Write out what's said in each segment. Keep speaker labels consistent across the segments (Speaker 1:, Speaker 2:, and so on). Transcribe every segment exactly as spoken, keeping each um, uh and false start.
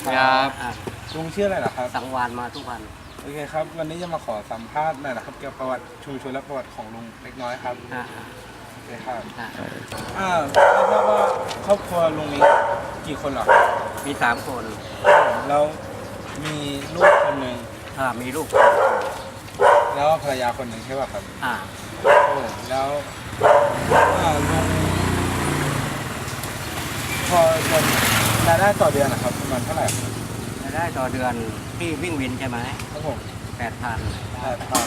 Speaker 1: ครับ
Speaker 2: ลุงชื่ออะไรเหรอครับ
Speaker 1: สังวานมาทุกวัน
Speaker 2: โอเคครับวันนี้จะมาขอสัมภาษณ์หน่อยนะครับเกี่ยวกับประวัติชุมชนและประวัติของลุงเล็กน้อยครับ
Speaker 1: อ่า
Speaker 2: โอเคครับ
Speaker 1: อ่า
Speaker 2: อ่าไม่ทราบว่าครอบครัวลุงนี้กี่คนเหรอ
Speaker 1: มีสามคน
Speaker 2: แล้วมีลูกคนหนึ่ง
Speaker 1: อ่ามีลูก
Speaker 2: แล้วภรรยาคนหนึ่งใช่ป่ะครับ
Speaker 1: อ่า
Speaker 2: โอ้แล้วอ่าลุงพอจะรายได้ต่อเดือนนะครับประมาณเท่าไหร่ครับ
Speaker 1: รายได้ต่อเดือนที่วิ่งวินใช่ไหม
Speaker 2: ครับผม
Speaker 1: แปดพัน
Speaker 2: แปดพัน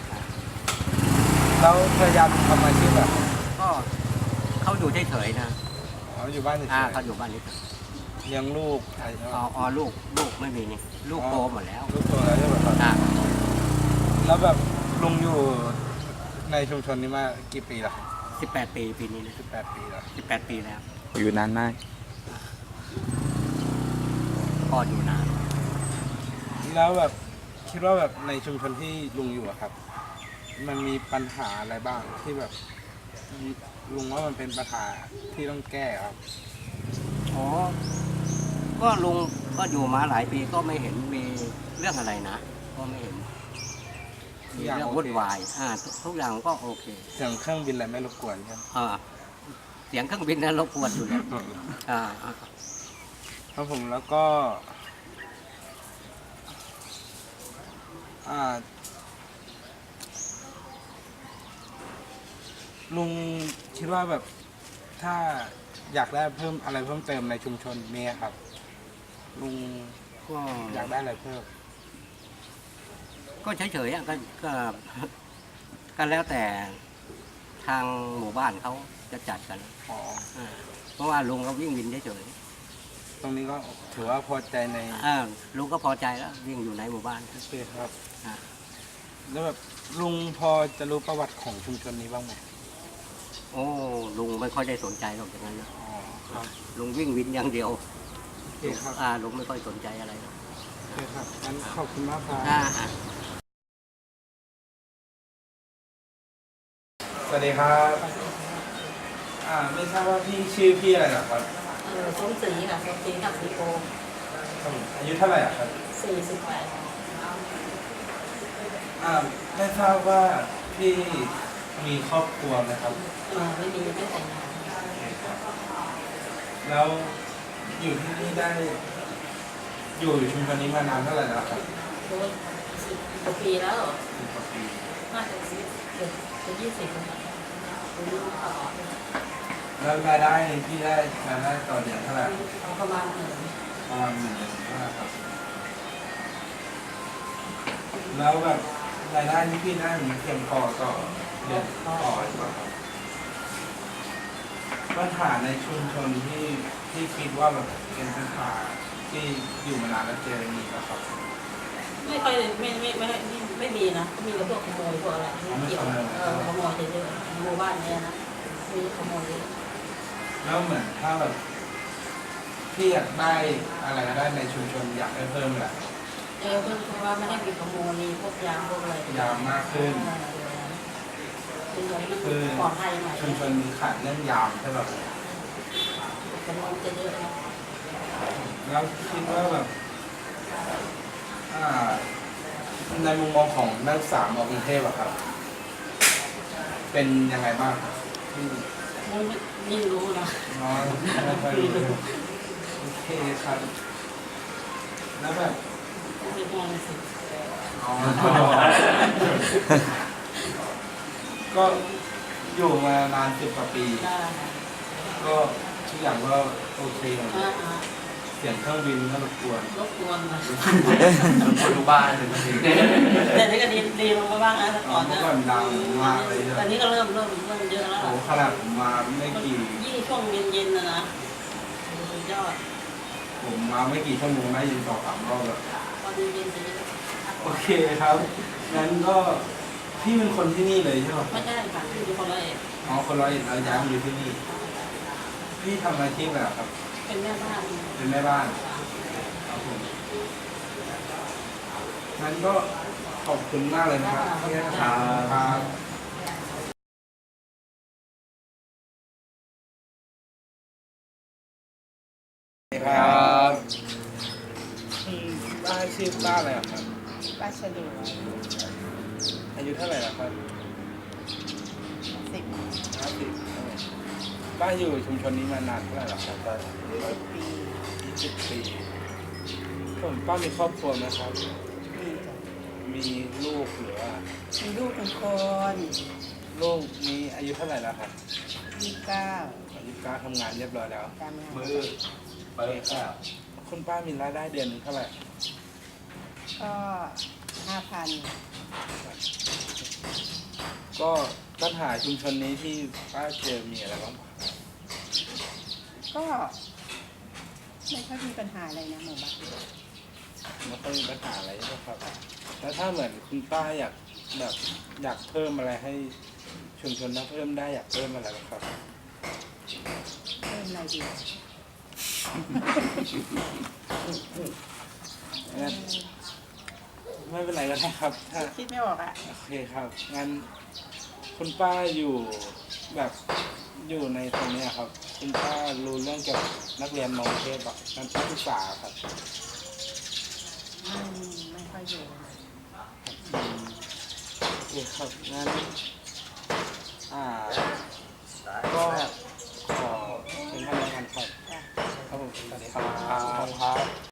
Speaker 2: แล้วภรรยาลุงทำอาชีพแบบ
Speaker 1: ก็เขาอยู่เฉยๆนะ
Speaker 2: เขาอยู่บ้านเฉย
Speaker 1: อ่า
Speaker 2: ๆ
Speaker 1: เขาอยู่บ้านนี้
Speaker 2: เลี้ยงลูกอะไร
Speaker 1: อ๋ออ๋อลูกลูกไม่มีนี่ลูกโตหมดแล้ว
Speaker 2: ลูกโตแล้วใช่ไหมครับ
Speaker 1: อ่า
Speaker 2: แล้วแบบลุงอยู่ในชุมชนนี้มากี่ปีแล้วครับ
Speaker 1: สิบแปดปีปีนี้นะ
Speaker 2: สิบแปดปีแล้ว
Speaker 1: สิบแปดปีแล้ว
Speaker 3: อยู่นานมาก
Speaker 1: พ่ออยู่นาน
Speaker 2: แล้วแบบคิดว่าแบบในชุมชนที่ลุงอยู่อะครับมันมีปัญหาอะไรบ้างที่แบบลุงว่ามันเป็นปัญหาที่ต้องแก้ครับ
Speaker 1: อ๋อก็ลุงก็อยู่มาหลายปีก็ไม่เห็นมีเรื่องอะไรนะก็ไม่เห็นมีเรื่องวุ่นวายอ่าทุกอย่างก็โอเค
Speaker 2: เสียงเครื่องบินอะไรไม่รบกวนใช่ไหม
Speaker 1: อ่าเสียงเครื่องบินนั้นรบกวนอยู่แล้วอ่า
Speaker 2: ครับผมแล้วก็อ่าลุงคิดว่าแบบถ้าอยากได้เพิ่มอะไรเพิ่มเติมในชุมชนนี้ครับลุง
Speaker 1: ก็
Speaker 2: อยากได้อะไรเพิ่ม
Speaker 1: ก็เฉยๆอ่ะก็ก็ก็แล้วแต่ทางหมู่บ้านเขาจะจัดกัน
Speaker 2: อ๋อ
Speaker 1: เพราะว่าลุงเขาวิ่งวินเฉย
Speaker 2: ๆตรงนี้ก็ถือว่าพอใจใน
Speaker 1: อ่าลุงก็พอใจแล้ววิ่งอยู่ในหมู่บ้าน
Speaker 2: โอเคครับแล้วแบบลุงพอจะรู้ประวัติของชุมชนนี้บ้างไหม
Speaker 1: โอ้ลุงไม่ค่อยได้สนใจหรอกอย่างนั้น
Speaker 2: อ๋อครับ
Speaker 1: ลุงวิ่งวินอย่างเดียว
Speaker 2: โอเคครับ
Speaker 1: อ่าลุงไม่ค่อยสนใจอะไรหรอก
Speaker 2: โอเคครับงั้นขอบคุณมากครับสวัสดีครับอ่าไม่ทราบว่าพี่ชื่อพี่อะไรเหรอครับ
Speaker 4: เออส้มสีค่ะส้มสีกับสีโก
Speaker 2: อายุเท่าไหร่ครับ
Speaker 4: สี่สิบแปด
Speaker 2: อ่าไม่ทราบว่าพี่มีครอบครัวไหมครับ
Speaker 4: เออไม่มีไม่แต่งงาน
Speaker 2: แล้วอยู่ที่นี่ได้อยู่ชุมชนนี้มานานเท่าไหร่แล้วครับ
Speaker 4: โอ้สิบกว่าปีแล้ว
Speaker 2: สิบกว่าปี
Speaker 4: น่าจะสิบเกือบจะยี่สิบแล้ว
Speaker 2: แล้วรายได้ที่ได้รายได้ต่อเดือนเท่าไหร่
Speaker 4: ประมาณหนึ่ง
Speaker 2: ประมาณหนึ่งเดือนเท่าไหร่ครับแล้วแบบรายได้ที่พี่ได้มันเพียงพอต่อเดือนต่อหรือเปล่าครับปัญหาในชุมชนที่ที่คิดว่าแบบเป็นปัญหาที่อยู่มานานแล้วเจอมีแล้วครับ
Speaker 4: ไม่ค่อยไม่ไม่ไม่ไม่มีนะมีแต่พวกขโมยพวกอะไรไม่เกี่ยวเออขโมยเยอะๆหมู่บ้านเนี้ยนะมีขโมยเยอะ
Speaker 2: แล้วเหมือนถ้าแบบพี่อยากได้อะไรก็ได้ในชุมชนอยากให้เพิ่มแหละ
Speaker 4: เออเพิ่มเพราะว่าไม่ได้มีขโมยมีพวกยามพวกอะไร
Speaker 2: ยามมากขึ้น
Speaker 4: คือปลอดภัยหน่อย
Speaker 2: ชุมชนมีขาดเรื่องยามใช่ไหม
Speaker 4: ขโมยจะเยอะนะ
Speaker 2: แล้วคิดว่าแบบในมุมมองของนักศึกษามอกรุงเทพอะครับเป็นยังไงบ้างที่
Speaker 4: ไม่รู้นะ
Speaker 2: น้อยไม่ค่อยรู้โอเคครับแล้วแบบ
Speaker 4: ไม่มองสิ
Speaker 2: ก็อยู่มานานสิบกว่าปีก็ทุกอย่างก็โอเคเสียงเครื่องบินก็รบกวน
Speaker 4: รบกวนนะรบ
Speaker 2: กวนทุกบ้านเลยจริง
Speaker 4: แต่นี่ก็ดีดีลงมาบ้างนะแต่ก่อนนะ
Speaker 2: ก่อนดังมากเลย
Speaker 4: ตอนนี้ก็เริ่มเริ่มเริ่มเยอะแล้ว
Speaker 2: โอ้ขนาดผมมาไม่กี่
Speaker 4: ยิ่งช่วงเย็นๆนะนะสุดยอด
Speaker 2: ผมมาไม่กี่ชั่วโมงได้ยินสองสามรอบแล้ว
Speaker 4: ตอนเย็นๆจะ
Speaker 2: โอเคครับงั้นก็พี่เป็นคนที่นี่เลยใช่ไหม
Speaker 4: ไม่ใช่ค่ะพี่เป็นคนร้อยเอ็ด
Speaker 2: อ๋อคนร้อยเอ็ดเราย้ายมาอยู่ที่นี่พี่ทำอาชีพอะไรครับ
Speaker 4: เป็นแม่บ้าน
Speaker 2: เป็นแม่บ้านครับผมงั้นก็ขอบคุณมากเลยนะครับที่ให้ถามครับครับป้าชื่อป้าอะไรอะครับ
Speaker 3: ป้าฉลู
Speaker 2: อายุเท่าไหร่แล้วครับ
Speaker 3: สิบ
Speaker 2: ห้าสิบป้าอยู่ชุมชนนี้มานานเท่าไหร่แล้วครับป้า
Speaker 3: สิบปี
Speaker 2: ยี่สิบปีผมป้ามีครอบครัวไหมครับ
Speaker 3: มีจ้ะ
Speaker 2: มีลูกหรือว่า
Speaker 3: มีลูกหนึ่งคน
Speaker 2: ลูกมีอายุเท่าไหร่แล้วครับ
Speaker 3: ยี่สิบเก้า
Speaker 2: อายุการทำงานเรียบร้อยแล้ว
Speaker 3: ตามงาน
Speaker 1: มือไปข้าว
Speaker 2: คุณป้ามีรายได้เดือนหนึงเท่าไหร่
Speaker 3: ก็ห้าพัน
Speaker 2: ก็ปัญหาชุมชนนี้ที่ป้าเจอมีอะไรบ้าง
Speaker 3: ก็ไม่ค่อยมีปัญหาอะไรนะหมู่บ้าน
Speaker 2: ไม่ค่อยมีปัญหาอะไรใช่ไหมครับ แล้วถ้าเหมือนคุณป้าอยากแบบอยากเพิ่มอะไรให้ชุมชนถ้าเพิ่มได้อยากเพิ่มอะไรบ้างครับ
Speaker 3: เพิ่มอะไรดี
Speaker 2: งั้นไม่เป็นไรก็ได้ครับถ้า
Speaker 3: คิดไม่ออกอ่ะ
Speaker 2: โอเคครับ งั้นคุณป้าอยู่แบบอยู่ในตรงเนี้ยครับ คุณป้ารู้เรื่องเกี่ยวกับนักเรียนมองเทพแบบการศึกษาครับ
Speaker 3: ไม่ไม่ค่อยอยู่
Speaker 2: อืมโอเคครับ งั้น อ่า ก็ขอเป็นท่านแล้วกันครับ
Speaker 3: จ้ะ
Speaker 2: ครับผมสวัสดีครับ